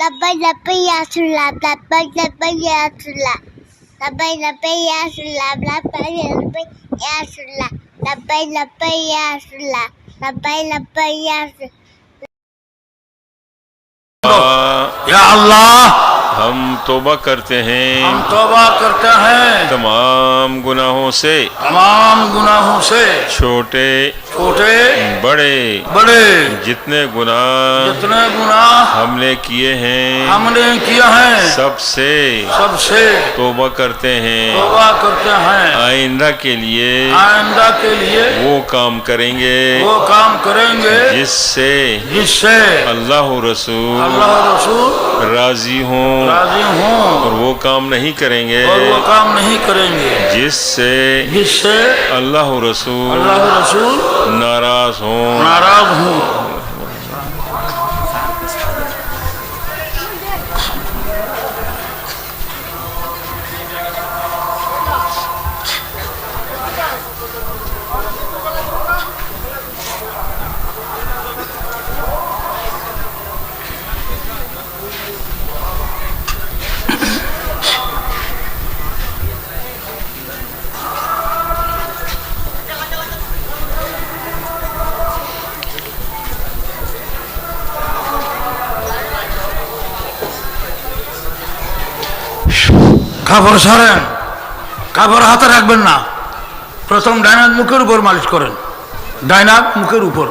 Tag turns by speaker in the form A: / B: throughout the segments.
A: لبیک لبیک یا رسول اللہ لبیک لبیک یا رسول اللہ لبیک لبیک یا رسول اللہ لبیک لبیک یا رسول اللہ لبیک لبیک یا رسول اللہ
B: یا اللہ
C: ہم توبہ کرتے ہیں
B: ہم توبہ کرتے ہیں
C: تمام گناہوں سے
B: چھوٹے
C: چھوٹے بڑے جتنے گناہ ہم نے کیے ہیں سب سے توبہ کرتے ہیں آئندہ کے لیے وہ کام کریں گے جس سے اللہ و رسول راضی ہوں اور وہ کام نہیں کریں گے جس سے اللہ و رسول ناراض ہوں
B: কাপড় সরেন কাপড় হাতে রাখবেন না প্রথম ডাইনাক মুখের উপর মালিশ করেন ডাইনাক মুখের উপর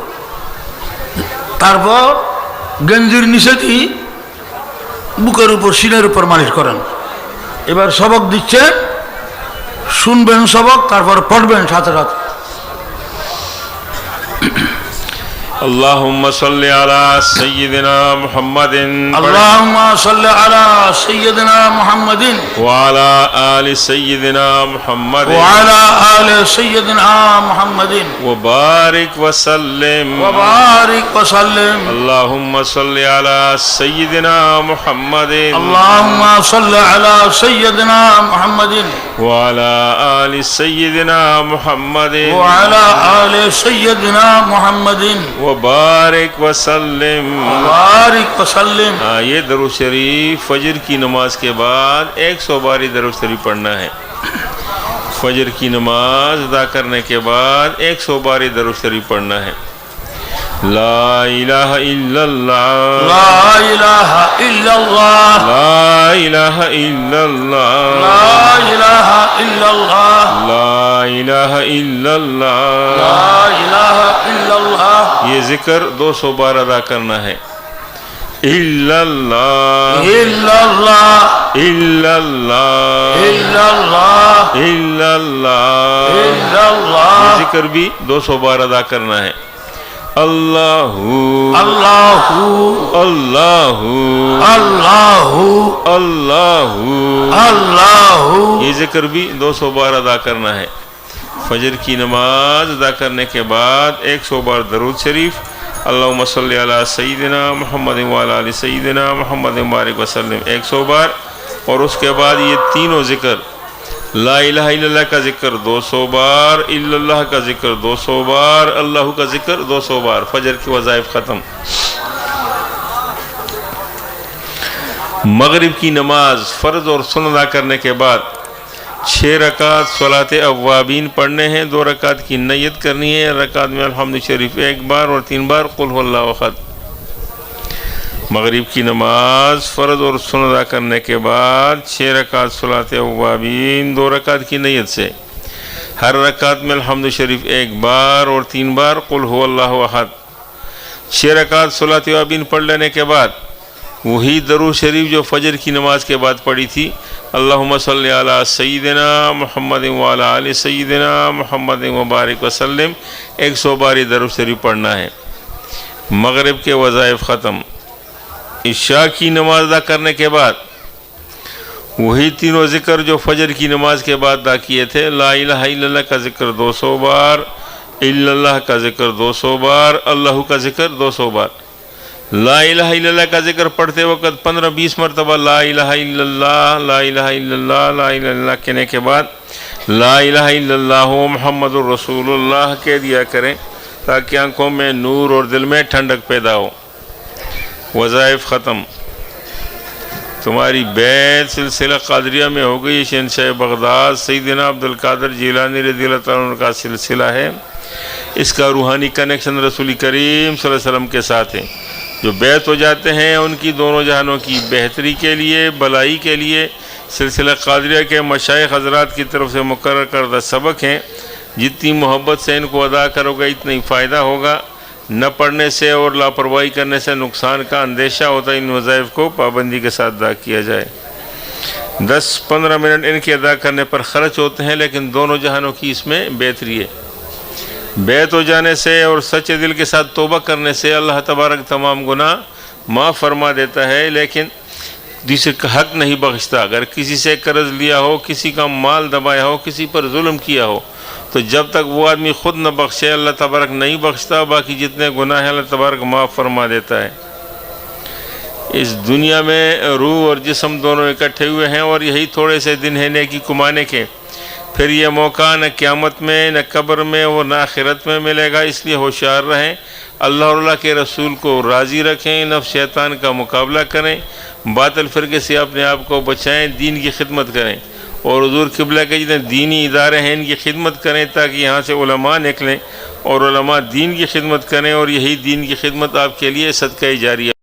B: তারপর গেঞ্জির নিচে দিয়ে বুকের উপর সিনের উপর মালিশ করেন এবার সবক দিচ্ছে শুনবেন সবক তারপর পড়বেন সাথে সাথে
C: اللهم صل على سيدنا محمد
B: اللهم صل على سيدنا محمد
C: وعلى آل سيدنا محمد
B: وعلى آل سيدنا محمد
C: وبارك وسلم اللهم صل على سيدنا محمد
B: اللهم صل على سيدنا محمد
C: وعلى آل سيدنا محمد
B: وعلى آل سيدنا محمد
C: وبارك وسلم یہ درود شریف فجر کی نماز کے بعد 100 باری درود شریف پڑھنا ہے فجر کی نماز ادا کرنے کے بعد 100 باری درود شریف پڑھنا ہے لا الہ الا اللہ
B: لا الہ الا اللہ
C: لا الہ الا اللہ
B: لا الہ الا اللہ
C: لا الہ الا اللہ
B: لا الہ الا اللہ
C: یہ ذکر 200 بار ادا کرنا ہے الا اللہ
B: الا اللہ
C: الا اللہ
B: الا اللہ
C: الا اللہ
B: الا اللہ
C: یہ ذکر بھی 200 بار ادا کرنا ہے اللہ
B: اللہ
C: اللہ
B: اللہ
C: اللہ
B: اللہ
C: یہ ذکر بھی 200 بار ادا کرنا ہے فجر کی نماز ادا کرنے کے بعد 100 بار درود شریف اللہم صلی علی سیدنا محمد وعلی آل سیدنا محمد مبارک وسلم 100 بار اور اس کے بعد یہ تینوں ذکر لا الہ الا اللہ کا ذکر 200 بار الا اللہ کا ذکر 200 بار اللہ کا ذکر 200 بار فجر کی وظائف ختم مغرب کی نماز فرض اور سنت ادا کرنے کے بعد 6 رکعت صلاۃ اوابین پڑھنے ہیں 2 رکعت کی نیت کرنی ہے رکعت میں الحمد شریف 1 بار اور 3 بار قل هو اللہ احد مغرب کی نماز فرض اور سنت ادا کرنے کے بعد 6 رکعت صلاۃ اوابین 2 رکعت کی نیت سے ہر رکعت میں الحمد شریف 1 بار اور 3 بار قل هو اللہ احد 6 رکعت صلاۃ اوابین پڑھ لینے کے بعد وہی درود شریف جو فجر کی نماز کے بعد پڑھی تھی اللہم صلی علی سیدنا محمد وعلی آل سیدنا محمد مبارک وسلم 100 باری درود شریف پڑھنا ہے مغرب کے وظائف ختم عشاء کی نماز ادا کرنے کے بعد وہی تینوں ذکر جو فجر کی نماز کے بعد ادا کیے تھے لا الہ الا اللہ کا ذکر 200 بار الا اللہ کا ذکر 200 بار اللہ کا ذکر 200 بار لا الہ الا اللہ کا ذکر پڑھتے وقت 15-20 مرتبہ لا الہ الا اللہ لا الہ الا اللہ لا الہ الا اللہ کہنے کے بعد لا الہ الا اللہ محمد الرسول اللہ کہہ دیا کریں تاکہ آنکھوں میں نور اور دل میں ٹھنڈک پیدا ہو وظائف ختم تمہاری بیعت سلسلہ قادریہ میں ہو گئی. شہنشاہ بغداد سیدنا عبد القادر جیلانی رضی اللہ تعالیٰ عنہ کا سلسلہ ہے. اس کا روحانی کنیکشن رسول کریم صلی اللہ علیہ وسلم کے ساتھ ہے. جو بیعت ہو جاتے ہیں ان کی دونوں جہانوں کی بہتری کے لیے، بلائی کے لیے سلسلہ قادریہ کے مشائخ حضرات کی طرف سے مقرر کردہ سبق ہیں. جتنی محبت سے ان کو ادا کرو گے اتنا ہی فائدہ ہوگا. نہ پڑھنے سے اور لاپرواہی کرنے سے نقصان کا اندیشہ ہوتا ہے. ان وظائف کو پابندی کے ساتھ ادا کیا جائے. 10-15 منٹ ان کے ادا کرنے پر خرچ ہوتے ہیں، لیکن دونوں جہانوں کی اس میں بہتری ہے. بیعت ہو جانے سے اور سچے دل کے ساتھ توبہ کرنے سے اللہ تبارک تمام گناہ معاف فرما دیتا ہے، لیکن دوسرے کا حق نہیں بخشتا. اگر کسی سے قرض لیا ہو، کسی کا مال دبایا ہو، کسی پر ظلم کیا ہو، تو جب تک وہ آدمی خود نہ بخشے اللہ تبارک نہیں بخشتا. باقی جتنے گناہ ہیں اللہ تبارک معاف فرما دیتا ہے. اس دنیا میں روح اور جسم دونوں اکٹھے ہوئے ہیں اور یہی تھوڑے سے دن ہیں نیکی کمانے کے. پھر یہ موقع نہ قیامت میں، نہ قبر میں اور نہ آخرت میں ملے گا. اس لیے ہوشیار رہیں، اللہ اور اللہ کے رسول کو راضی رکھیں، نفس شیطان کا مقابلہ کریں، باطل فرقے سے اپنے آپ کو بچائیں، دین کی خدمت کریں. اور حضور قبلہ کے جتنے دینی ادارے ہیں ان کی خدمت کریں تاکہ یہاں سے علماء نکلیں اور علماء دین کی خدمت کریں، اور یہی دین کی خدمت آپ کے لیے صدقہ جاریہ